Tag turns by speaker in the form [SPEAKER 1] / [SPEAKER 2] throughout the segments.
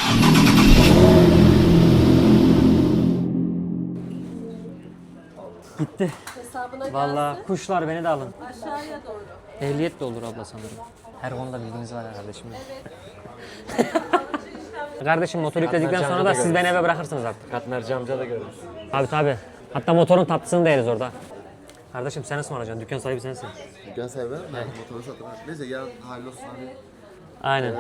[SPEAKER 1] Gitti.
[SPEAKER 2] Hesabına
[SPEAKER 1] Vallahi
[SPEAKER 2] gelsin.
[SPEAKER 1] kuşlar beni de alın.
[SPEAKER 2] Aşağıya doğru.
[SPEAKER 1] Ehliyet de olur abla sanırım. Her konuda bilginiz var kardeşim. Kardeşim motor yükledikten sonra da siz beni eve bırakırsınız artık.
[SPEAKER 3] Katmerci amca da görürüz.
[SPEAKER 1] Tabii. Hatta motorun tatlısını da yeriz orada. Kardeşim sen ısmarlayacaksın. Dükkan sahibi sensin.
[SPEAKER 4] Dükkan sahibi ben motoru satın. Neyse yarın hallolsun hani.
[SPEAKER 1] Aynen.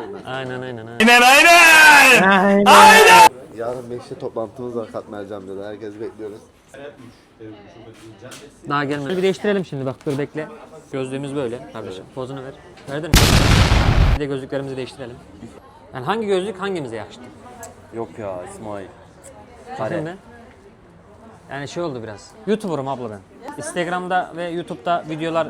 [SPEAKER 4] Yarın 5'te toplantımız var Katmerci amcada. Herkesi bekliyoruz.
[SPEAKER 1] Daha gelmedi. Bir değiştirelim şimdi bak dur bekle. Gözlüğümüz böyle kardeşim. Pozunu ver. Verdin mi? Bir de gözlüklerimizi değiştirelim. Yani hangi gözlük hangimize yakıştı?
[SPEAKER 3] Yok ya İsmail.
[SPEAKER 1] Şimdi yani şey oldu biraz. YouTuber'ım abla ben. Instagram'da ve YouTube'da videolar...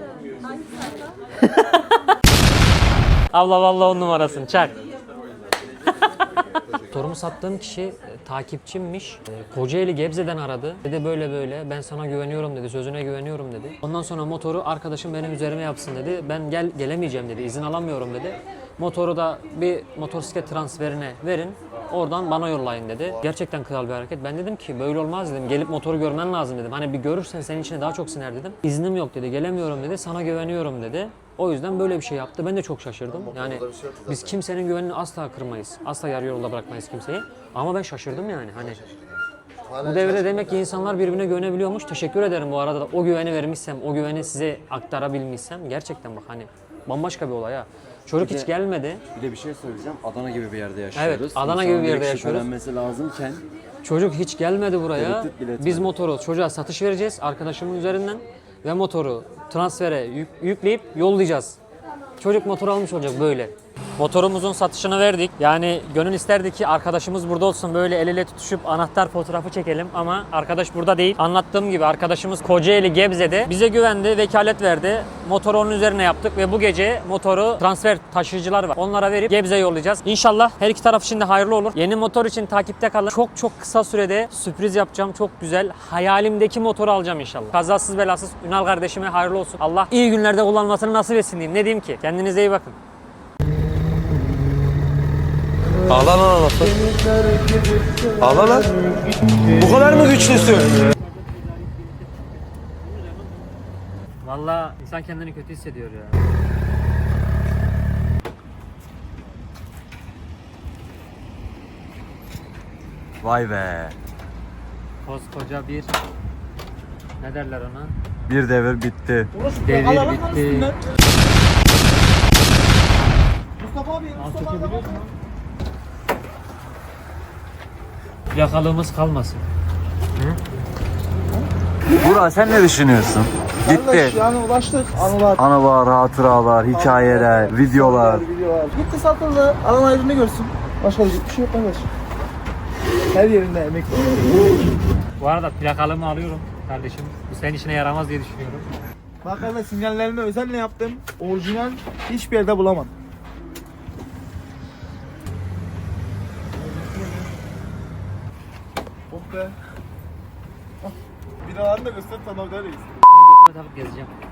[SPEAKER 1] Abla vallahi 10 numarasın çak. Motorumu sattığım kişi takipçimmiş. Kocaeli Gebze'den aradı. Dedi böyle ben sana güveniyorum dedi. Sözüne güveniyorum dedi. Ondan sonra motoru arkadaşım benim üzerime yapsın dedi. Ben gelemeyeceğim dedi. İzin alamıyorum dedi. Motoru da bir motosiklet transferine verin. Oradan bana yollayın dedi. Gerçekten kral bir hareket. Ben dedim ki böyle olmaz dedim. Gelip motoru görmen lazım dedim. Hani bir görürsen senin içine daha çok siner dedim. İznim yok dedi. Gelemiyorum dedi. Sana güveniyorum dedi. O yüzden böyle bir şey yaptı. Ben de çok şaşırdım. Yani biz kimsenin güvenini asla kırmayız. Asla yarı yolda bırakmayız kimseyi. Ama ben şaşırdım yani. Hani bu devirde demek ki insanlar birbirine güvenebiliyormuş. Teşekkür ederim bu arada da o güveni vermişsem, o güveni size aktarabilmişsem gerçekten bak hani bambaşka bir olay ha. Çocuk hiç gelmedi.
[SPEAKER 3] Bir de bir şey söyleyeceğim. Adana gibi bir yerde yaşıyoruz.
[SPEAKER 1] Evet, Adana gibi bir yerde yaşıyoruz.
[SPEAKER 3] Şüphelenmesi lazımken
[SPEAKER 1] Çocuk hiç gelmedi buraya.
[SPEAKER 3] Tereddüt bile
[SPEAKER 1] Biz motoru çocuğa satış vereceğiz arkadaşımın üzerinden ve motoru transfere yükleyip yollayacağız. Çocuk motor almış olacak böyle. Motorumuzun satışını verdik. Yani gönül isterdi ki arkadaşımız burada olsun böyle el ele tutuşup anahtar fotoğrafı çekelim ama arkadaş burada değil. Anlattığım gibi arkadaşımız Kocaeli Gebze'de bize güvendi, vekalet verdi. Motoru onun üzerine yaptık ve bu gece motoru transfer taşıyıcılar var. Onlara verip Gebze'ye yollayacağız. İnşallah her iki taraf için de hayırlı olur. Yeni motor için takipte kalın. Çok kısa sürede sürpriz yapacağım. Çok güzel. Hayalimdeki motoru alacağım inşallah. Kazasız belasız Ünal kardeşime hayırlı olsun. Allah iyi günlerde kullanmasını nasip etsin diyeyim. Ne diyeyim ki? Kendinize iyi bakın.
[SPEAKER 5] Ağla lan anasını. Ağla lan. Bu kadar mı güçlüsün?
[SPEAKER 1] Vallahi insan kendini kötü hissediyor ya.
[SPEAKER 3] vay be.
[SPEAKER 1] Koskoca bir ne derler ona?
[SPEAKER 3] Bir devir bitti.
[SPEAKER 1] Devir bitti.
[SPEAKER 6] Mustafa abi, Mustafa abi.
[SPEAKER 1] Plakalığımız kalmasın.
[SPEAKER 3] Burak sen ne düşünüyorsun? Gitti.
[SPEAKER 6] Yani ulaştık. Anılar.
[SPEAKER 3] Anılar, hatıralar, hikayeler, videolar.
[SPEAKER 6] Gitti satıldı. Alan aydınlığı görsün. Başka bir şey yok kardeş. Her yerinde emek var.
[SPEAKER 1] Bu arada plakalığımı alıyorum kardeşim. Bu senin işine yaramaz diye düşünüyorum.
[SPEAKER 6] Bak kardeş sinyallerini özenle yaptım. Orijinal hiçbir yerde bulamam. Oh be. Binalarını da göster sana öderiz.
[SPEAKER 1] Takıp gezeceğim.